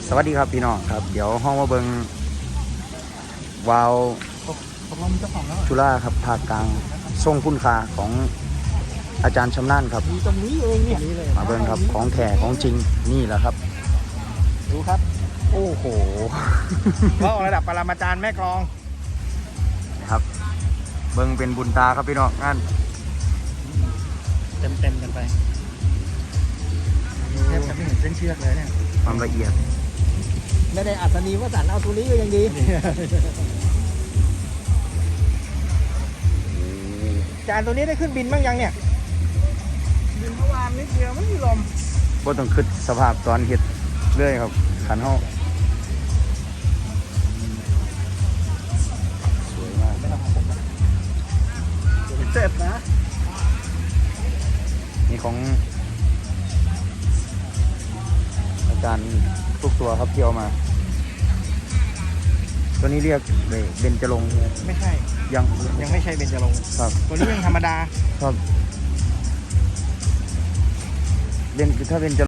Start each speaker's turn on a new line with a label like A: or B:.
A: สวัสดีครับพี่น้องครับเดี๋ยวห้องมาเบิงวาวจุฬาครับภาคกลางทรงคุณค่าของอาจารย์ชำนาญครับ
B: มีตรงนี้เองเนี่ย
A: มาเบิงครับของแท้ของจริงนี่แหละครับ
B: ดูครับ
A: โอ้โห
B: ว่าวระดับปรมาจารย์แม่กลอง
A: ครับ เบิงเป็นบุญตาครับพี่น้องงาน
B: เต็มกันไปแทบจะไม่เห็นเส้นเชือกเลยเนี่ย
A: ความละเอียด
B: ไม่ได้อัศนีวสันต์เอาตัวนี้ก็ยังดีจานตัวนี้ได้ขึ้นบินบ้างยังเนี่ยบินเมื่อวานนิดเดียวไม่มีลม
A: บ่ต้องคิดสภาพตอนเฮ็ดเลยครับขันเฮาสวยมาก
B: ไม่ต้องของผมนะเจ็บนะ
A: นี่ของอาจารย์ทุกตัวครับที่เอามา ตัวนี้เรียกเบญจรงค์
B: ไม่ใช่
A: ยัง
B: ยังไม่ใช่เบญจรงค์
A: ครับ
B: ตัวนี้ยังธรรมดา
A: ครับถ้าเป็นจ